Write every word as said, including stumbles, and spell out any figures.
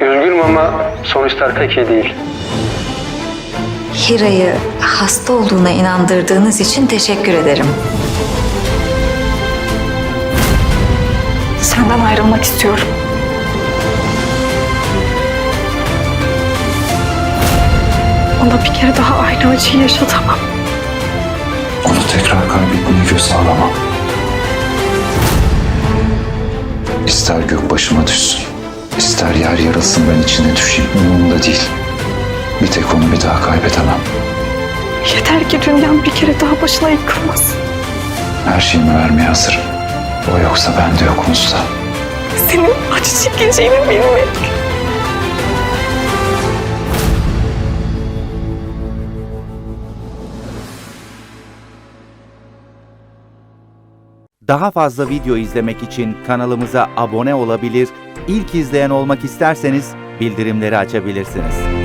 Üzgünüm ama sonuçlar pek iyi değil. Hira'yı hasta olduğuna inandırdığınız için teşekkür ederim. Senden ayrılmak istiyorum. Ona bir kere daha aynı acıyı yaşatamam. Onu tekrar kaybetmeye göze alamam. İster gök başıma düşsün, ister yer yarılsın ben içine düşeyim, umurumda değil. Bir tek onu bir daha kaybedemem. Yeter ki dünyam bir kere daha başına yıkılmasın. Her şeyimi vermeye hazırım. O yoksa ben de yokum usta. Senin acı çekeceğini bilmek. Daha fazla video izlemek için kanalımıza abone olabilir, ilk izleyen olmak isterseniz bildirimleri açabilirsiniz.